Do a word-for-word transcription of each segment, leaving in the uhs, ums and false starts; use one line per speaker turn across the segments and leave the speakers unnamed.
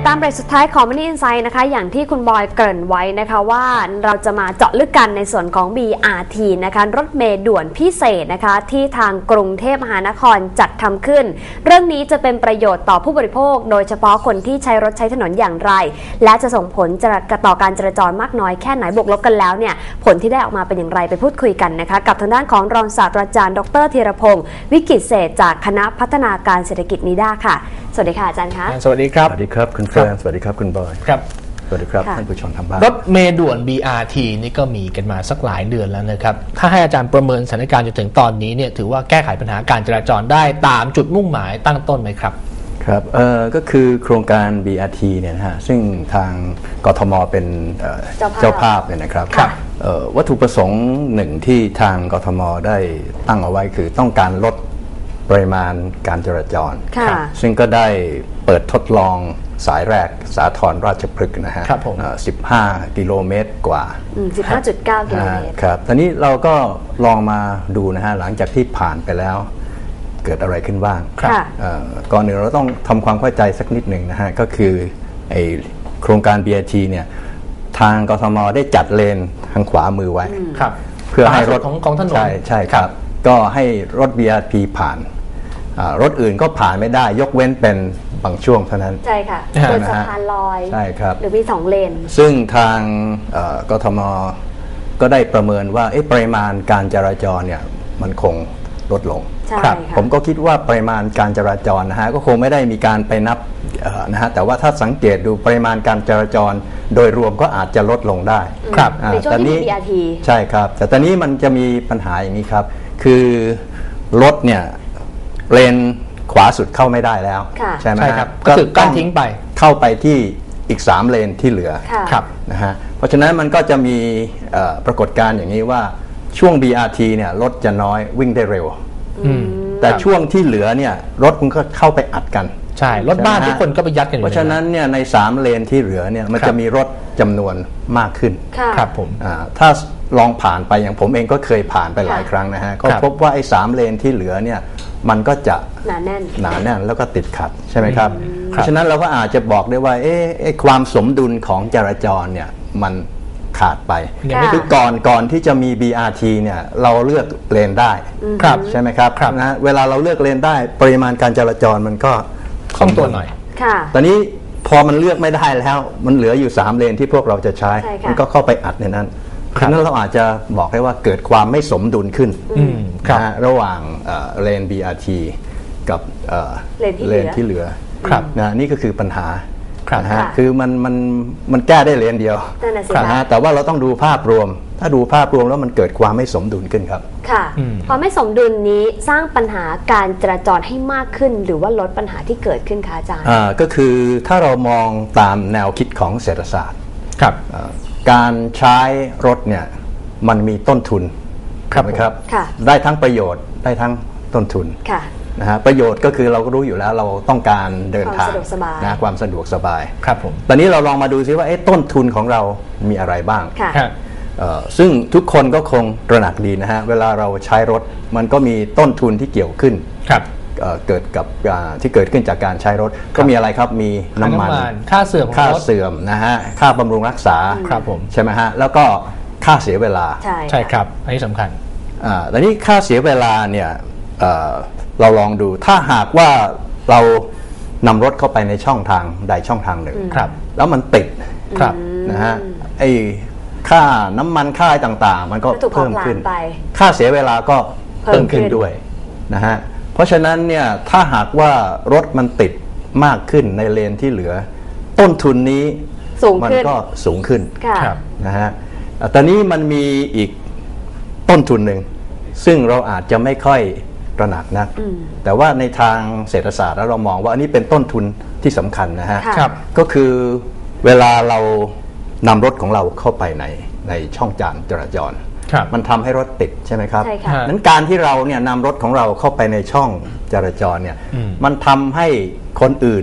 ตามเบรกสุดท้ายของ Money Insight นะคะอย่างที่คุณบอยเกริ่นไว้นะคะว่าเราจะมาเจาะลึกกันในส่วนของ บี อาร์ ที นะคะรถเมล์ด่วนพิเศษนะคะที่ทางกรุงเทพมหานครจัดทำขึ้นเรื่องนี้จะเป็นประโยชน์ต่อผู้บริโภคโดยเฉพาะคนที่ใช้รถใช้ถนนอย่างไรและจะส่งผลต่อการจราจรมากน้อยแค่ไหนบวกลบกันแล้วเนี่ยผลที่ได้ออกมาเป็นอย่างไรไปพูดคุยกันนะคะกับทางด้านของรองศาสตราจารย์ดรธีรพงศ์วิกิตเศษจากคณะพัฒนาการเศรษฐกิจนิด้าค่ะสวัสดีค่ะอาจารย์คะ
สวัสดีครับ
สวัสดีครับคุณเฟิร์นสวัสดีครับคุณบอย
ครับ
สวัสดีครับท่านผู้ชมทางบ้าน
รถเมล์ด่วน บี อาร์ ที นี่ก็มีกันมาสักหลายเดือนแล้วนะครับถ้าให้อาจารย์ประเมินสถานการณ์จนถึงตอนนี้เนี่ยถือว่าแก้ไขปัญหาการจราจรได้ตามจุดมุ่งหมายตั้งต้นไหมครับ
ครับเอ่อก็คือโครงการ บี อาร์ ที เนี่ยนะฮะซึ่งทางกทมเป็นเจ้าภาพเนี่ยนะครับวัตถุประสงค์หนึ่งที่ทางกทมได้ตั้งเอาไว้คือต้องการลดปริมาณการจราจรซึ่งก็ได้เปิดทดลองสายแรกสาทรราชพฤกษ์นะฮะสิบห้ากิโลเมตรกว่า
สิบห้าจุดเก้า กิโลเมตร
ครับตอนนี้เราก็ลองมาดูนะฮะหลังจากที่ผ่านไปแล้วเกิดอะไรขึ้นบ้างก่อนหนึ่งเราต้องทำความเข้าใจสักนิดหนึ่งนะฮะก็คือไอโครงการ บี อาร์ ที เนี่ยทางกทมได้จัดเลนทางขวามือไว้
เพื่อให้รถของของถนน
ใช่ใช่ครับก็ให้รถ บี อาร์ ที ผ่านรถอื่นก็ผ่านไม่ได้ยกเว้นเป็นบางช่วงเท่านั้น
ใช่ค่ะบนสะพานลอย
ใช่ครับ
หรือมีสองเลน
ซึ่งทางกทมก็ได้ประเมินว่าปริมาณการจราจรเนี่ยมันคงลดลง
ครับ
ผมก็คิดว่าปริมาณการจราจรนะฮะก็คงไม่ได้มีการไปนับนะฮะแต่ว่าถ้าสังเกตดูปริมาณการจราจรโดยรวมก็อาจจะลดลงได้
ครับในช่วงที่ บี อาร์ ที
ใช่ครับแต่ตอนนี้มันจะมีปัญหาอย่างนี้ครับคือรถเนี่ยเลนขวาสุดเข้าไม่ได้แล้วใช่ไหม
ครับก็คือกั้นทิ้งไป
เข้าไปที่อีกสามเลนที่เหลือนะฮะเพราะฉะนั้นมันก็จะมีปรากฏการณ์อย่างนี้ว่าช่วง บี อาร์ ที เนี่ยรถจะน้อยวิ่งได้เร็วแต่ช่วงที่เหลือเนี่ยรถมันก็เข้าไปอัดกัน
ใช่รถบ้านทุกคนก็ไปยัดกัน
เพราะฉะนั้นเนี่ยในสามเลนที่เหลือเนี่ยมันจะมีรถจำนวนมากขึ้น
ครับผม
ถ้าลองผ่านไปอย่างผมเองก็เคยผ่านไปหลายครั้งนะฮะก็พบว่าไอ้สามเลนที่เหลือเนี่ยมันก็จะ
หนาแน่น
หนาแน่นแล้วก็ติดขัดใช่ไหมครับเพราะฉะนั้นเราก็อาจจะบอกได้ว่าเอ๊ะความสมดุลของจราจรเนี่ยมันขาดไปคือก่อนก่อนที่จะมี บี อาร์ ที เนี่ยเราเลือกเลนได้ใช่ไหมครับนะเวลาเราเลือกเลนได้ปริมาณการจราจรมันก็
คล่องตัวหน่อย
ตอนนี้พอมันเลือกไม่ได้แล้วมันเหลืออยู่สามเลนที่พวกเราจะใช้มันก็เข้าไปอัดในนั้นเพราะนั้นเราอาจจะบอกได้ว่าเกิดความไม่สมดุลขึ้นนะระหว่างเลน บี อาร์ ที กับเลนที่เหลือนะนี่ก็คือปัญหานะฮะคือมันมันมันแก้ได้เลนเดียวนะฮะแต่ว่าเราต้องดูภาพรวมถ้าดูภาพรวมแล้วมันเกิดความไม่สมดุลขึ้นครับ
ค่ะความไม่สมดุลนี้สร้างปัญหาการจราจรให้มากขึ้นหรือว่าลดปัญหาที่เกิดขึ้นคะอาจารย์
อ่าก็คือถ้าเรามองตามแนวคิดของเศรษฐศาสตร์
ครับ
การใช้รถเนี่ยมันมีต้นทุนครับไหมครับได้ทั้งประโยชน์ได้ทั้งต้นทุนนะฮะประโยชน์ก็คือเราก็รู้อยู่แล้วเราต้องการเดินทางนะความสะดวกสบาย
ครับผม
ตอนนี้เราลองมาดูซิว่าต้นทุนของเรามีอะไรบ้างซึ่งทุกคนก็คงตระหนักดีนะฮะเวลาเราใช้รถมันก็มีต้นทุนที่เกี่ยวขึ้นเกิดกับที่เกิดขึ้นจากการใช้รถก็มีอะไรครับมีน้ำมัน
ค่าเสื่อม
ค่าเสื่อมนะฮะค่าบำรุงรักษา
ครับผม
ใช่ไหมฮะแล้วก็ค่าเสียเวลา
ใช่ครับอันนี้สำคัญ
อ่าแต่นี้ค่าเสียเวลาเนี่ยเราลองดูถ้าหากว่าเรานำรถเข้าไปในช่องทางใดช่องทางหนึ่งแล้วมันติดนะฮะไอ้ค่าน้ำมันค่าอะไรต่างๆมันก็เพิ่มขึ้นค่าเสียเวลาก็เพิ่มขึ้นด้วยนะฮะเพราะฉะนั้นเนี่ยถ้าหากว่ารถมันติดมากขึ้นในเลนที่เหลือต้นทุนนี้มันก็สูงขึ้นนะฮะตอนนี้มันมีอีกต้นทุนหนึ่งซึ่งเราอาจจะไม่ค่อยตระหนักนะแต่ว่าในทางเศรษฐศาสตร์แล้วเรามองว่าอันนี้เป็นต้นทุนที่สำคัญนะฮะก็คือเวลาเรานำรถของเราเข้าไปในในช่องจานจราจรมันทำให้รถติดใช่ไหมครับนั้นการที่เราเนี่ยนำรถของเราเข้าไปในช่องจราจรเนี่ยมันทำให้คนอื่น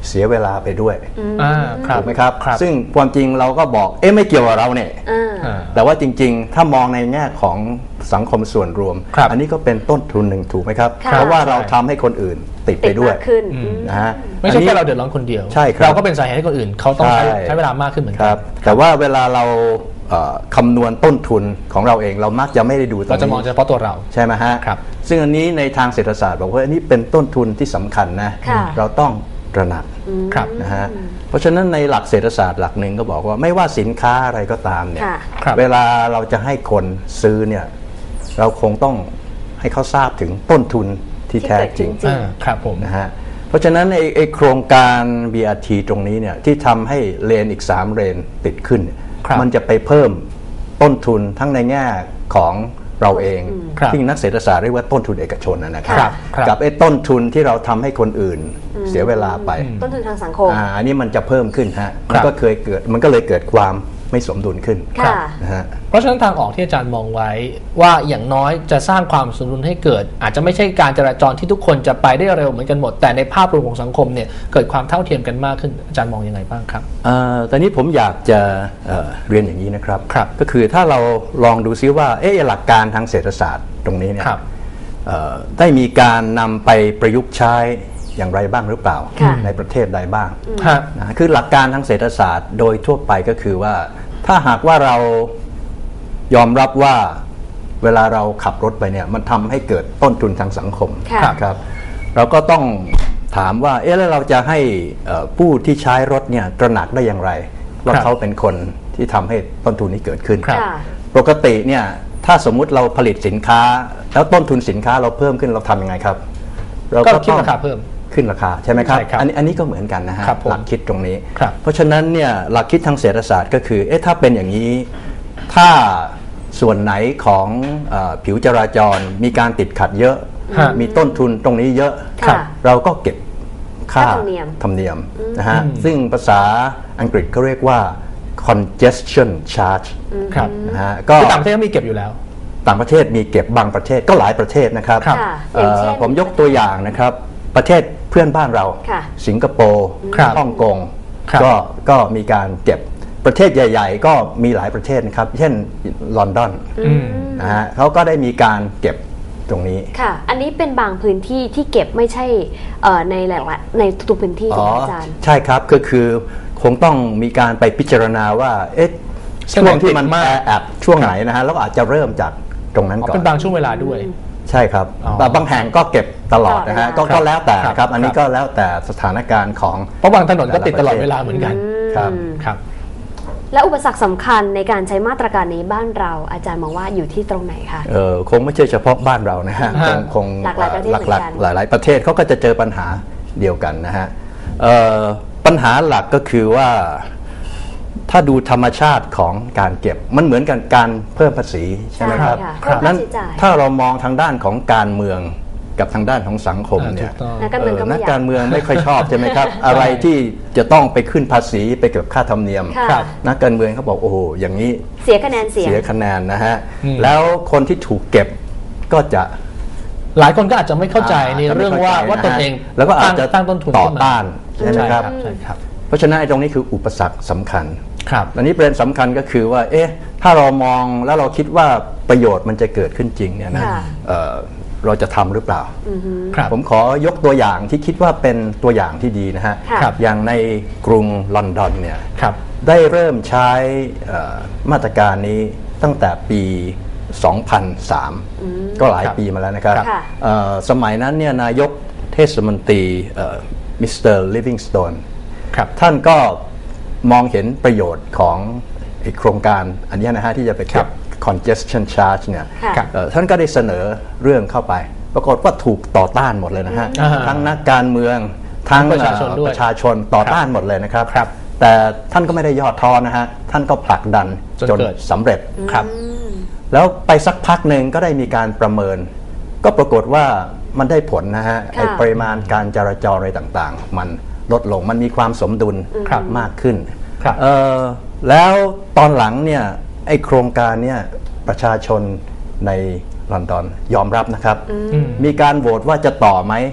เสียเวลาไปด้วยถูกไหมครับซึ่งความจริงเราก็บอกเอ๊ะไม่เกี่ยวกับเราเนี่ยแต่ว่าจริงๆถ้ามองในแง่ของสังคมส่วนรวมอันนี้ก็เป็นต้นทุนหนึ่งถูกไหมครับเพราะว่าเราทำให้คนอื่นติดไปด้วยนะฮะ
ไม่ใช่แค่เราเดือดร้อนคนเดียวเราก็เป็นสาเหตุให้คนอื่นเขาต้องใช้เวลามากขึ้นเหมือนกัน
แต่ว่าเวลาเราคำนวณต้นทุนของเราเองเรามักจะไม่ได้ดูตรงนี้
เราจะมองเฉพาะตัวเรา
ใช่ไหมฮะซึ่งอันนี้ในทางเศรษฐศาสตร์บอกว่าอันนี้เป็นต้นทุนที่สำคัญนะเราต้องตระหนักนะฮะเพราะฉะนั้นในหลักเศรษฐศาสตร์หลักหนึ่งก็บอกว่าไม่ว่าสินค้าอะไรก็ตามเนี่ยเวลาเราจะให้คนซื้อเนี่ยเราคงต้องให้เขาทราบถึงต้นทุนที่แท้จริง
ครับผม
นะฮะเพราะฉะนั้นไอ้โครงการ บี อาร์ ที ตรงนี้เนี่ยที่ทำให้เลนอีกสามเลนติดขึ้นมันจะไปเพิ่มต้นทุนทั้งในแง่ของเราเองที่นักเศรษฐศาสตร์เรียกว่าต้นทุนเอกชนนะครับกับไอ้ต้นทุนที่เราทำให้คนอื่นเสียเวลาไป
ต้นทุนทางสังคม
อันนี้มันจะเพิ่มขึ้นฮะมันก็เคยเกิดมันก็เลยเกิดความไม่สมดุลขึ้นนะฮะ
เพราะฉะนั้นทางออกที่อาจารย์มองไว้ว่าอย่างน้อยจะสร้างความสมดุลให้เกิดอาจจะไม่ใช่การจราจรที่ทุกคนจะไปได้เร็วเหมือนกันหมดแต่ในภาพรวมของสังคมเนี่ยเกิดความเท่าเทียมกันมากขึ้นอาจารย์มองยังไงบ้างครับ
ตอนนี้ผมอยากจะเรียนอย่างนี้นะครับก็คือถ้าเราลองดูซิว่าเอ๊ะหลักการทางเศรษฐศาสตร์ตรงนี้เนี่ยได้มีการนำไปประยุกต์ใช้อย่างไรบ้างหรือเปล่าในประเทศใดบ้างนะคือหลักการทางเศรษฐศาสตร์โดยทั่วไปก็คือว่าถ้าหากว่าเรายอมรับว่าเวลาเราขับรถไปเนี่ยมันทำให้เกิดต้นทุนทางสังคมครับเราก็ต้องถามว่าเอ๊ะแล้วเราจะให้ผู้ที่ใช้รถเนี่ยตระหนักได้อย่างไรว่าเขาเป็นคนที่ทำให้ต้นทุนนี้เกิดขึ้นปกติเนี่ยถ้าสมมุติเราผลิตสินค้าแล้วต้นทุนสินค้าเราเพิ่มขึ้นเราทำยังไงครับ
เราก็คิดราคาเพิ่ม
ขึ้นราคาใช่ไหมครับอันนี้อันนี้ก็เหมือนกันนะฮะหลักคิดตรงนี้เพราะฉะนั้นเนี่ยหลักคิดทางเศรษฐศาสตร์ก็คือเอ๊ะถ้าเป็นอย่างนี้ถ้าส่วนไหนของผิวจราจรมีการติดขัดเยอะมีต้นทุนตรงนี้เยอะเราก็เก็บค่าธรรมเนียมนะฮะซึ่งภาษาอังกฤษเขาเรียกว่า congestion charge
นะฮะก็ต่างประเทศก็มีเก็บอยู่แล้ว
ต่างประเทศมีเก็บบางประเทศก็หลายประเทศนะครับผมยกตัวอย่างนะครับประเทศเพื่อนบ้านเราสิงคโปร์ฮ่องกงก็ก็มีการเก็บประเทศใหญ่ๆก็มีหลายประเทศนะครับเช่นลอนดอนนะฮะเขาก็ได้มีการเก็บตรงนี้
ค่ะอันนี้เป็นบางพื้นที่ที่เก็บไม่ใช่ในหลายในทุกพื้นที่ถูกไหมอาจารย์
ใช่ครับก็คือคงต้องมีการไปพิจารณาว่าเอ๊ะช่วงที่มันแออัดช่วงไหนนะฮะแล้วอาจจะเริ่มจากตรงนั้นก่อน
เป็นบางช่วงเวลาด้วย
ใช่ครับแต่บางแห่งก็เก็บตลอดนะฮะก็แล้วแต่ครับอันนี้ก็แล้วแต่สถานการณ์ของ
เพราะบางถนนก็ติดตลอดเวลาเหมือนกัน
ครับ
ครับ
และอุปสรรคสำคัญในการใช้มาตรการนี้บ้านเราอาจารย์มองว่าอยู่ที่ตรงไหนคะ
เออคงไม่ใช่เฉพาะบ้านเรานะฮะคงคง
หลากหลายประเทศเหมือนกัน
หลายๆประเทศเขาก็จะเจอปัญหาเดียวกันนะฮะปัญหาหลักก็คือว่าถ้าดูธรรมชาติของการเก็บมันเหมือนกันการเพิ่มภาษีใช่ไหมครับนั้นถ้าเรามองทางด้านของการเมืองกับทางด้านของสังคมเนี่ยนักการเมืองไม่ค่อยชอบใช่ไหมครับอะไรที่จะต้องไปขึ้นภาษีไปเก็บค่าธรรมเนียมนักการเมืองเขาบอกโอ้โหอย่างนี้
เสียคะแนนเสีย
เสียคะแนนนะฮะแล้วคนที่ถูกเก็บก็จะ
หลายคนก็อาจจะไม่เข้าใจในเรื่องว่าว่าตนเอง
แล้วก็อาจจะ
ตั้งต้นทุน
ต่อต้านใช่ไหมครับเพราะฉะนั้นไอ้ตรงนี้คืออุปสรรคสำคัญ
ครับ
อันนี้ประเด็นสำคัญก็คือว่าเอ๊ะถ้าเรามองแล้วเราคิดว่าประโยชน์มันจะเกิดขึ้นจริงเนี่ยนะเราจะทำหรือเปล่าผมขอยกตัวอย่างที่คิดว่าเป็นตัวอย่างที่ดีนะฮะอย่างในกรุงลอนดอนเนี่ยได้เริ่มใช้มาตรการนี้ตั้งแต่ปีสองพันสามก็หลายปีมาแล้วนะครับสมัยนั้นเนี่ยนายกเทศมนตรีมิสเตอร์ลิฟวิงสโตนท่านก็มองเห็นประโยชน์ของโครงการอันนี้นะฮะที่จะไปเก็บ congestion charge เนี่ยท่านก็ได้เสนอเรื่องเข้าไปปรากฏว่าถูกต่อต้านหมดเลยนะฮะทั้งนักการเมืองทั้งประชาชนประชาชนต่อต้านหมดเลยนะครับแต่ท่านก็ไม่ได้ย่อท้อนะฮะท่านก็ผลักดันจนสำเร็จครับแล้วไปสักพักหนึ่งก็ได้มีการประเมินก็ปรากฏว่ามันได้ผลนะฮะปริมาณการจราจรอะไรต่างๆมันลดลงมันมีความสมดุลมากขึ้นแล้วตอนหลังเนี่ยไอโครงการเนี่ยประชาชนในลอนดอนยอมรับนะครับมีการโหวตว่าจะต่อไหม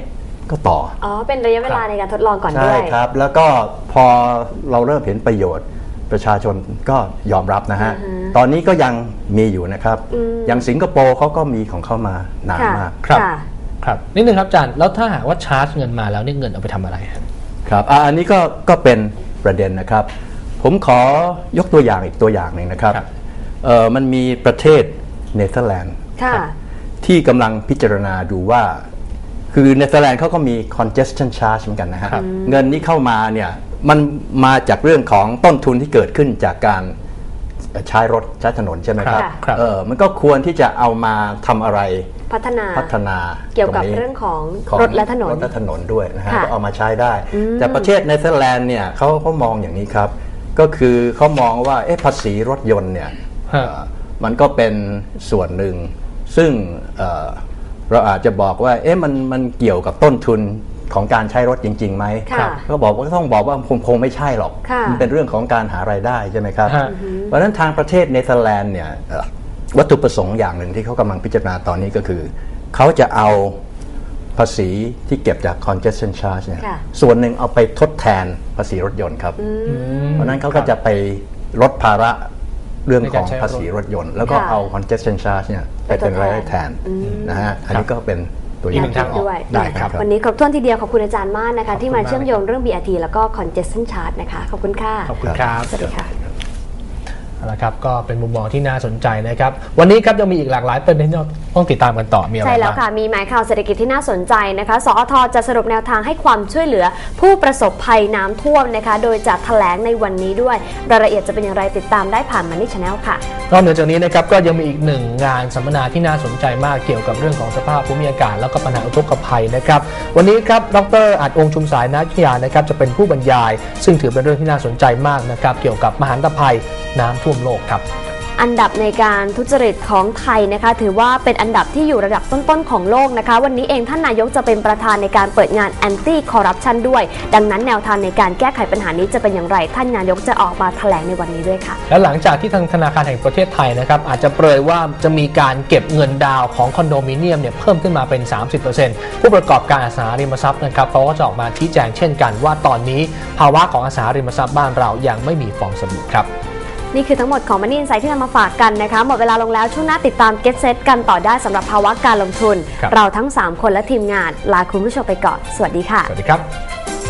ก็ต่อ
อ๋อเป็นระยะเวลาในการทดลองก่อนด้วย
ใช่ครับแล้วก็พอเราเริ่มเห็นประโยชน์ประชาชนก็ยอมรับนะฮะตอนนี้ก็ยังมีอยู่นะครับอย่างสิงคโปร์เขาก็มีของเขามานานมาก
ครับครับนิดนึงครับอาจารย์แล้วถ้าหากว่าชาร์จเงินมาแล้วนี่เงินเอาไปทำอะไร
ครับอันนี้ก็ก็เป็นประเด็นนะครับผมขอยกตัวอย่างอีกตัวอย่างหนึ่งนะครับเอ่อมันมีประเทศเนเธอร์แลนด์ที่กำลังพิจารณาดูว่าคือเนเธอร์แลนด์เขาก็มี congestion charge เหมือนกันนะฮะเงินนี้เข้ามาเนี่ยมันมาจากเรื่องของต้นทุนที่เกิดขึ้นจากการใช้รถใช้ถนนใช่ไหมครับเออมันก็ควรที่จะเอามาทำอะไร
พัฒนา
พัฒนา
เกี่ยวกับเรื่องของรถและถนน
รถและถนนด้วยนะฮะก็เอามาใช้ได้แต่ประเทศเนเธอร์แลนด์เนี่ยเขาเขามองอย่างนี้ครับก็คือเขามองว่าเอ๊ะภาษีรถยนต์เนี่ยมันก็เป็นส่วนหนึ่งซึ่งเราอาจจะบอกว่าเอ๊ะมันมันเกี่ยวกับต้นทุนของการใช้รถจริงๆไหมก็บอกว่าต้องบอกว่าคงคงไม่ใช่หรอกมันเป็นเรื่องของการหารายได้ใช่ไหมครับเพราะฉะนั้นทางประเทศเนเธอร์แลนด์เนี่ยวัตถุประสงค์อย่างหนึ่งที่เขากำลังพิจารณาตอนนี้ก็คือเขาจะเอาภาษีที่เก็บจาก congestion charge เนี่ยส่วนหนึ่งเอาไปทดแทนภาษีรถยนต์ครับเพราะนั้นเขาก็จะไปลดภาระเรื่องของภาษีรถยนต์แล้วก็เอา congestion charge เนี่ยไปเป็นรายได้แทนนะฮะอันนี้ก็เป็นตัวอย่าง
ทางออกได้ครับวันนี้ครบถ้วนทีเดียวขอบคุณอาจารย์มากนะคะที่มาเชื่อมโยงเรื่อง บี อาร์ ที แล้วก็ congestion charge นะคะขอบคุณค่ะ
ขอบคุณครับ
สวัสดีค่ะ
เอาละครับก็เป็นมุมมองที่น่าสนใจนะครับวันนี้ครับยังมีอีกหลากหลายประเด็นที่ต้องติดตามกันต่อมีอะไรบ้าง
ใช่แล้วค่ะมีหมายข่าวเศรษฐกิจที่น่าสนใจนะคะสอทจะสรุปแนวทางให้ความช่วยเหลือผู้ประสบภัยน้ำท่วมนะคะโดยจะแถลงในวันนี้ด้วยรายละเอียดจะเป็นอย่างไรติดตามได้ผ่านMoney Channelค่ะ
นอกจากนี้นะครับก็ยังมีอีกหนึ่งงานสัมมนาที่น่าสนใจมากเกี่ยวกับเรื่องของสภาพภูมิอากาศแล้วก็ปัญหาอุทกภัยนะครับวันนี้ครับดร.อาจองค์ชุมสายนักวิทยานะครับจะเป็นผู้บรรยายซึ่งถือเป็นเรื่องที่น่าสนใจมากนะครับเกี่ยวกับมหันตภัยน้ำท่วมโลกครับ
อันดับในการทุจริตของไทยนะคะถือว่าเป็นอันดับที่อยู่ระดับต้นๆของโลกนะคะวันนี้เองท่านนายกจะเป็นประธานในการเปิดงาน Anti Corruption ด้วยดังนั้นแนวทางในการแก้ไขปัญหานี้จะเป็นอย่างไรท่านนายกจะออกมาแถลงในวันนี้ด้วยค่ะ
และหลังจากที่ทางธนาคารแห่งประเทศไทยนะครับอาจจะเปรยว่าจะมีการเก็บเงินดาวของคอนโดมิเนียมเนี่ยเพิ่มขึ้นมาเป็น สามสิบเปอร์เซ็นต์ ผู้ประกอบการอสังหาริมทรัพย์นะครับเขาก็จะออกมาชี้แจงเช่นกันว่าตอนนี้ภาวะของอสังหาริมทรัพย์บ้านเรายังไม่มีฟองสบู่ครับ
นี่คือทั้งหมดของ Money Insight ที่นำมาฝากกันนะคะหมดเวลาลงแล้วช่วงหน้าติดตาม Get Set กันต่อได้สำหรับภาวะการลงทุนเราทั้งสามคนและทีมงานลาคุณผู้ชมไปก่อนสวัสดีค่ะ
สวัสดีครับ